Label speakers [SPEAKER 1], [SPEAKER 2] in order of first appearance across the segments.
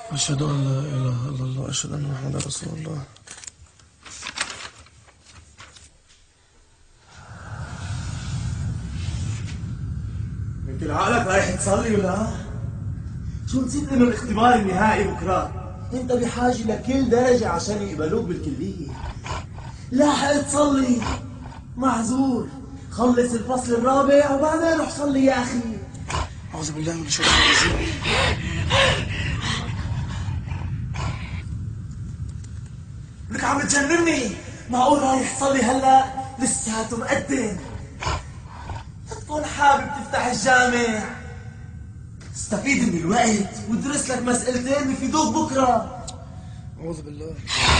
[SPEAKER 1] أشهد أن لا إله إلا الله أشهد أن محمدا رسول الله.
[SPEAKER 2] انت لعقلك رايح تصلي ولا؟ شو نسيت انه الاختبار النهائي بكره؟ انت بحاجه لكل درجه عشان يقبلوك بالكليه. لاحق تصلي، معذور. خلص الفصل الرابع وبعدين روح صلي يا اخي.
[SPEAKER 1] أعوذ بالله من الشيطان الرجيم.
[SPEAKER 2] لك عم تجنني. معقول رايح تصلي هلا؟ لساته مقدم. تكون حابب تفتح الجامع، استفيد من الوقت وادرس لك مسألتين بيفيدوك بكره.
[SPEAKER 1] أعوذ بالله.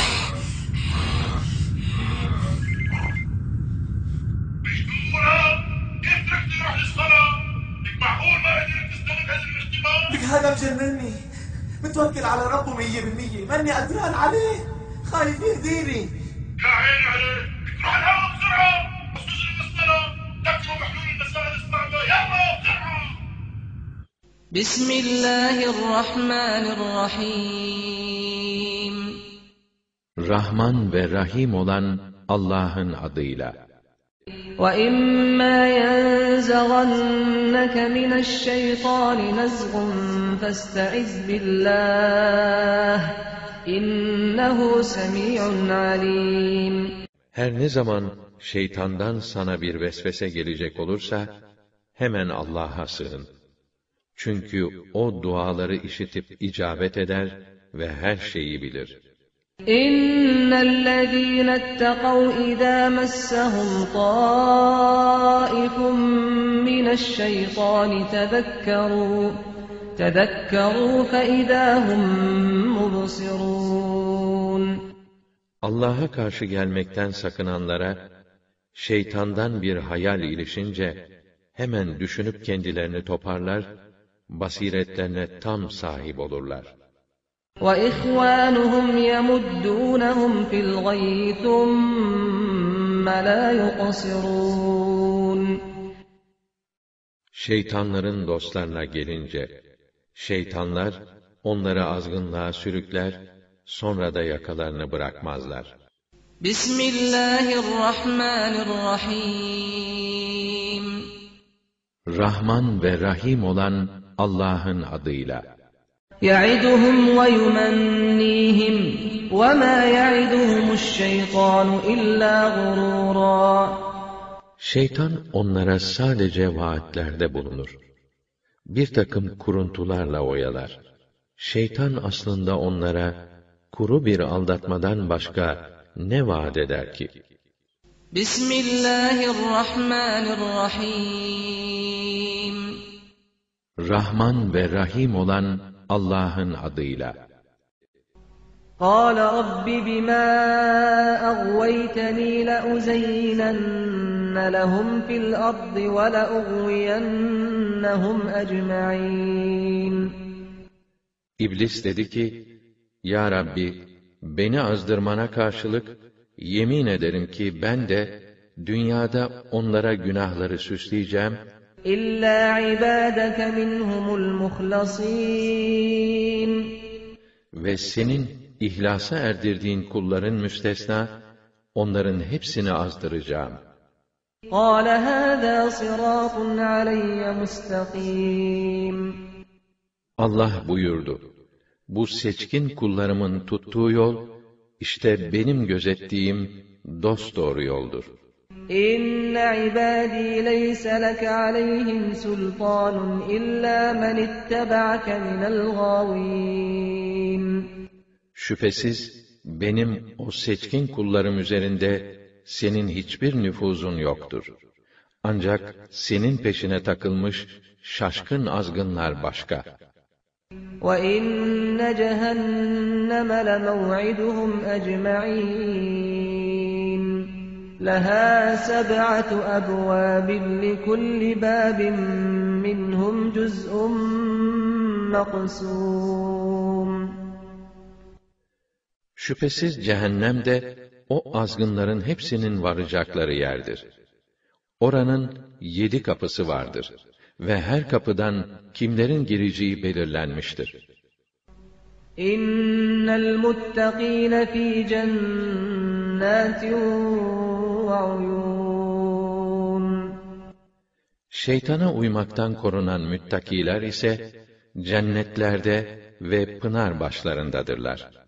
[SPEAKER 3] كيف تركت تروح للصلاة؟ لك معقول ما قدرت تستوعب هذا الاختبار؟
[SPEAKER 2] لك هذا مجنني. متوكل على ربه 100%، ماني قدران عليه، خايف يهديني.
[SPEAKER 3] يا عيني عليك، لك روح الهوا بسرعة، بس تجري للصلاة، تكتبوا بحلول المسائل الصعبة، يلا بسرعة.
[SPEAKER 4] بسم الله الرحمن الرحيم.
[SPEAKER 5] Rahman ve Rahim olan Allah'ın adıyla.
[SPEAKER 4] وَإِمَّا يَنزَغَنَّكَ مِنَ الشَّيْطَانِ نَزْغٌ فَاسْتَعِذْ بِاللَّهِ إِنَّهُ سَمِيعٌ عَلِيمٌ.
[SPEAKER 5] Her ne zaman şeytandan sana bir vesvese gelecek olursa, hemen Allah'a sığın. Çünkü o duaları işitip icabet eder ve her şeyi bilir.
[SPEAKER 4] إِنَّ الَّذِينَ اتَّقَوْا إِذَا مَسَّهُمْ طَائِفٌ مِّنَ الشَّيْطَانِ تَذَكَّرُوا فَإِذَا هُمْ مُبْصِرُونَ.
[SPEAKER 5] Allah'a karşı gelmekten sakınanlara, şeytandan bir hayal ilişince, hemen düşünüp kendilerini toparlar, basiretlerine tam sahip olurlar.
[SPEAKER 4] وَإِخْوَانُهُمْ يَمُدُّونَهُمْ فِي الْغَيِّ ثُمَّ لَا يُقْصِرُونَ.
[SPEAKER 5] Şeytanların dostlarına gelince, şeytanlar onları azgınlığa sürükler, sonra da yakalarını bırakmazlar.
[SPEAKER 4] Bismillahirrahmanirrahim.
[SPEAKER 5] Rahman ve Rahim olan Allah'ın adıyla.
[SPEAKER 4] يَعِدُهُمْ وَيُمَنِّيهِمْ وَمَا يَعِدُهُمُ الشَّيْطَانُ إِلَّا غُرُورًا.
[SPEAKER 5] Şeytan onlara sadece vaatlerde bulunur. Bir takım kuruntularla oyalar. Şeytan aslında onlara kuru bir aldatmadan başka ne vaat eder ki?
[SPEAKER 4] Bismillahirrahmanirrahim.
[SPEAKER 5] Rahman ve Rahim olan Allah'ın adıyla.
[SPEAKER 4] قَالَ رَبِّ بِمَا أَغْوَيْتَنِي لَأُزَيِّنَنَّ لَهُمْ فِي الْأَرْضِ وَلَأُغْوِيَنَّهُمْ أَجْمَعِينَ.
[SPEAKER 5] İblis dedi ki, Ya Rabbi, beni azdırmana karşılık, yemin ederim ki ben de, dünyada onlara günahları süsleyeceğim,
[SPEAKER 4] إِلَّا عِبَادَكَ مِنْهُمُ الْمُخْلَصِينَ.
[SPEAKER 5] ve senin ihlasa erdirdiğin kulların müstesna, onların hepsini azdıracağım.
[SPEAKER 4] قَالَ هَذَا صِرَاطٌ عَلَيَّ مُسْتَقِيمٌ.
[SPEAKER 5] Allah buyurdu, bu seçkin kullarımın tuttuğu yol, işte benim gözettiğim dosdoğru yoldur.
[SPEAKER 4] إِنَّ عِبَادِي لَيْسَ لَكَ عَلَيْهِمْ سُلْطَانٌ إِلَّا مَنِ اتَّبَعَكَ مِنَ الْغَاوِينَ.
[SPEAKER 5] Şüphesiz benim o seçkin kullarım üzerinde senin hiçbir nüfuzun yoktur. Ancak senin peşine takılmış şaşkın azgınlar başka.
[SPEAKER 4] وَإِنَّ جَهَنَّمَ لَمَوْعِدُهُمْ أَجْمَعِينَ لَهَا 7 أَبْوَابٍ لِكُلِّ بَابٍ مِّنْهُمْ جُزْءٌ مَّقْسُومٌ.
[SPEAKER 5] Şüphesiz cehennem de o azgınların hepsinin varacakları yerdir. Oranın 7 kapısı vardır ve her kapıdan kimlerin gireceği belirlenmiştir.
[SPEAKER 4] İnnel muttakîne fî cennâtin ve uyûn.
[SPEAKER 5] Şeytana uymaktan korunan müttakiler ise cennetlerde ve pınar başlarındadırlar.